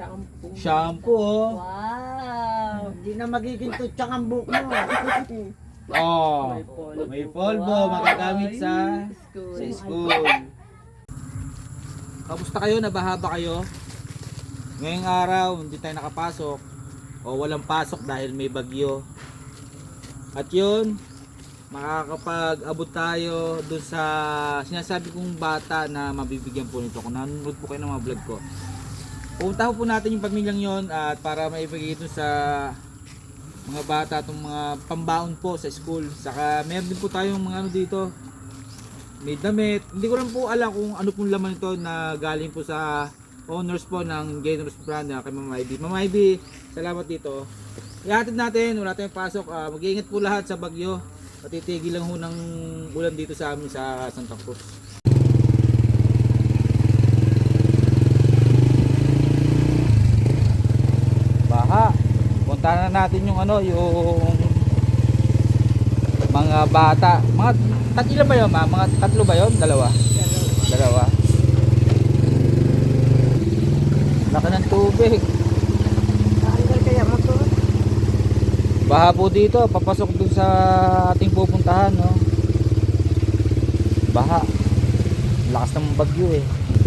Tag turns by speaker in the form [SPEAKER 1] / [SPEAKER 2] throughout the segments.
[SPEAKER 1] Shampoo, oh.
[SPEAKER 2] Wow.
[SPEAKER 3] Hindi na magiging tutsang ang buhok mo.
[SPEAKER 1] Oh, may polvo, magagamit sa school. Kamusta kayo? Nabaha ba kayo? Ngayong araw, hindi tayo nakapasok o walang pasok dahil may bagyo. At yun, makakapag-abot tayo dun sa sinasabi kong bata na mabibigyan po nito. Kung nanonood po kayo ng mga vlog ko, pupuntahan po natin yung pamilyang yon at para maibigay ito sa mga bata, itong mga pambaon po sa school. Saka meron din po tayong mga ano dito, may damit. Hindi ko lang po alam kung ano pong laman ito na galing po sa owners po ng Generous Brand na kay Mama Ivy. Mama Ivy, salamat dito. Ihatid natin, wala tayong pasok. Mag-iingat po lahat sa bagyo. Patitigil lang ho ng ulan dito sa amin sa Santa Cruz. Baha. Puntahan na natin yung ano, yung mga bata. Mga tatlo ba yun, ma? Mga tatlo ba yun? Dalawa. Laki ng tubig.
[SPEAKER 3] Hanggal kaya mo to?
[SPEAKER 1] Baha po dito, papasok dun sa ating pupuntahan, no? Baha. Lakas ng bagyo eh.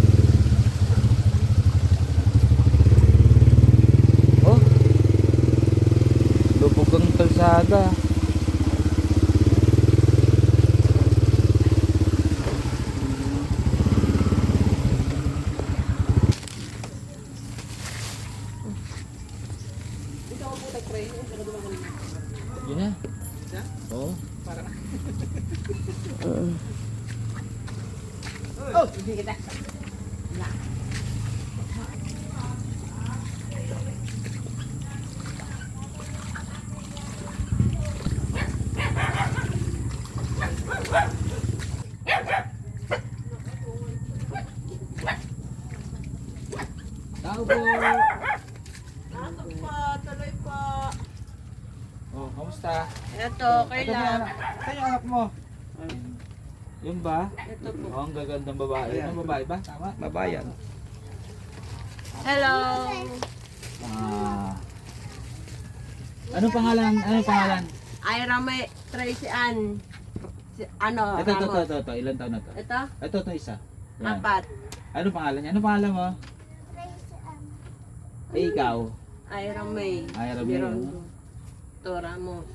[SPEAKER 1] Oh. Lubog ang kalsada. Yun na. Oo.
[SPEAKER 3] Oh, hindi kita.
[SPEAKER 1] Tao po.
[SPEAKER 2] Tuloy po.
[SPEAKER 1] Oh, kamusta?
[SPEAKER 2] Ito, kailan?
[SPEAKER 1] Saan yung anak mo? Yun ba?
[SPEAKER 2] Ito po.
[SPEAKER 1] Oh, ang gagandang babae. Ang babae ba? Tama? Babayan.
[SPEAKER 2] Hello.
[SPEAKER 1] Anong pangalan? Anong pangalan?
[SPEAKER 2] Ira May Tracy Ann. Ano?
[SPEAKER 1] Ito.
[SPEAKER 2] Ramos.
[SPEAKER 1] Ilan taon na to?
[SPEAKER 2] Ito?
[SPEAKER 1] Ito isa. Yan.
[SPEAKER 2] 4.
[SPEAKER 1] Anong pangalan niya? Anong pangalan mo? Eh, ikaw.
[SPEAKER 2] Ira May.
[SPEAKER 1] Ira May,
[SPEAKER 2] Birondo. Ito, Ramos.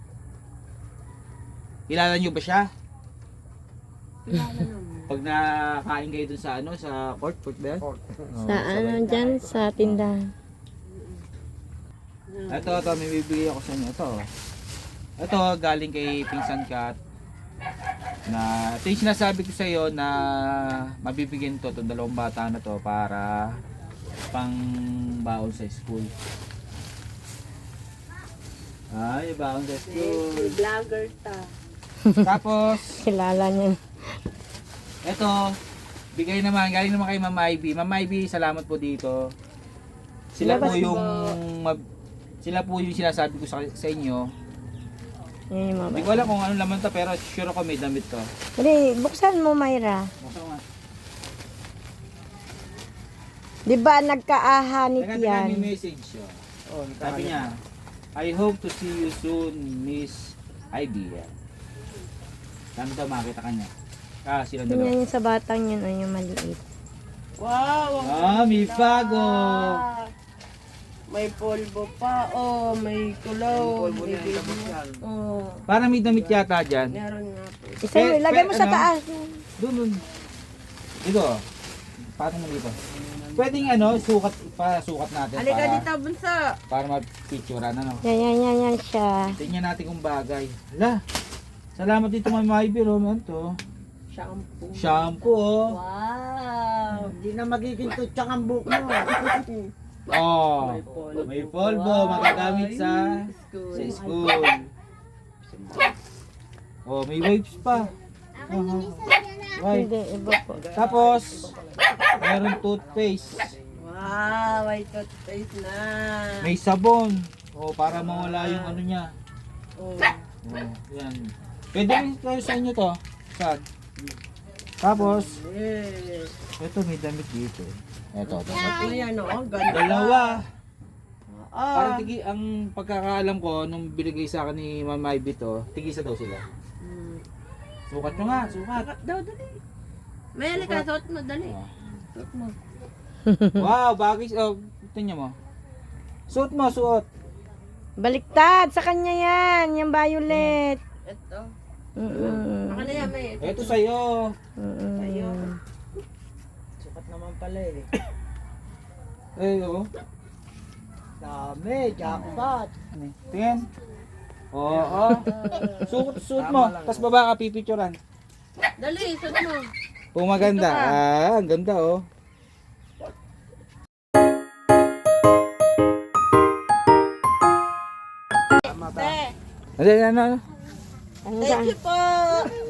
[SPEAKER 1] Kilala niyo ba siya?
[SPEAKER 2] Kilala naman.
[SPEAKER 1] Pag nakain kayo dun sa ano, sa court ba yan?
[SPEAKER 4] Sa ano dyan, sa tindahan.
[SPEAKER 1] Ito, may bibigay ako sa inyo. Ito, galing kay Pinsan Kat. Na, ito yung sinasabi ko sa iyo na mabibigyan to, itong dalawang bata na to para pang baon sa school. Ay, baon sa school.
[SPEAKER 2] Vlogger ta.
[SPEAKER 1] Tapos,
[SPEAKER 4] Kilala niya.
[SPEAKER 1] ito, bigay naman, galing naman kay Mama Ivy. Mama Ivy, salamat po dito. Sila po yung sila po yung sinasabi ko sa inyo.
[SPEAKER 4] Yan yung
[SPEAKER 1] Hindi
[SPEAKER 4] mama.
[SPEAKER 1] ko alam kung ano laman to, pero sure ako may damit to.
[SPEAKER 4] Dali, buksan mo, Myra.
[SPEAKER 1] Buksan mo nga.
[SPEAKER 4] Di ba nagkaahanit
[SPEAKER 1] Teka,
[SPEAKER 4] yan?
[SPEAKER 1] may message. Sabi niya, I hope to see you soon, Miss Ivy. Saan daw makita ka niya? Sila dalawa.
[SPEAKER 4] Yan yung sa batang yun, o yung maliit.
[SPEAKER 2] Wow.
[SPEAKER 1] May bago.
[SPEAKER 2] May polvo pa. Oh, may kulong. May baby. Oh.
[SPEAKER 1] Parang may damit yata dyan.
[SPEAKER 2] Meron nga po.
[SPEAKER 4] Isa mo, ilagay mo sa
[SPEAKER 1] ano?
[SPEAKER 4] taas.
[SPEAKER 1] Doon. Dito. Patong mo dito. Pwedeng sukat natin
[SPEAKER 2] Halika
[SPEAKER 1] para,
[SPEAKER 2] dito, bunso.
[SPEAKER 1] para mag-picturean, ano.
[SPEAKER 4] Yan siya.
[SPEAKER 1] Tingnan natin kung bagay. Hala. Salamat dito Mama Ivy, Roman to.
[SPEAKER 2] Shampoo.
[SPEAKER 1] Shampoo, oh.
[SPEAKER 2] Wow.
[SPEAKER 3] Hindi na magiging tutsang ang buhok mo.
[SPEAKER 1] Oh.
[SPEAKER 2] May polvo.
[SPEAKER 1] May polvo, magagamit sa school. Oh, may wipes pa. Right.
[SPEAKER 4] Hindi, iba po.
[SPEAKER 1] Tapos, meron toothpaste.
[SPEAKER 2] Wow, may toothpaste na.
[SPEAKER 1] May sabon. Oh, para mawala yung ano niya.
[SPEAKER 2] Oh.
[SPEAKER 1] Oh, yan. Pwede rin tayo sa inyo to. Saan? Tapos,
[SPEAKER 2] Yes.
[SPEAKER 1] ito may damit dito. Ito.
[SPEAKER 2] Ayan o, ang ganda.
[SPEAKER 1] Dalawa. Parang
[SPEAKER 2] Ah.
[SPEAKER 1] tigi, ang pagkakaalam ko, nung binigay sa akin ni Mama Ivy to, tigisa daw sila. Sukat nyo nga, sukat.
[SPEAKER 2] Dapat daw, dali. May halika, suot mo, dali.
[SPEAKER 1] Ah.
[SPEAKER 2] Suot mo.
[SPEAKER 1] Wow, bagay. Oh, tingnan mo. Suot mo, suot.
[SPEAKER 4] Baliktad, sa kanya yan. Yung violet.
[SPEAKER 2] Ito.
[SPEAKER 4] Mm-mm.
[SPEAKER 2] Baka na yan, may.
[SPEAKER 1] Ito sa'yo.
[SPEAKER 4] Mm-mm.
[SPEAKER 2] Sa'yo.
[SPEAKER 3] Sukat naman pala eh.
[SPEAKER 1] Eh, oh.
[SPEAKER 3] Dami, jackpot.
[SPEAKER 1] Tingin. Oo. Suot mo. Tapos baba ka, pipicturan.
[SPEAKER 2] Dali, suot mo.
[SPEAKER 1] Kung maganda.
[SPEAKER 2] Dito ka.
[SPEAKER 1] Ah, ang ganda, oh.
[SPEAKER 2] Te,
[SPEAKER 1] Ano?
[SPEAKER 4] Ano
[SPEAKER 2] thank you po.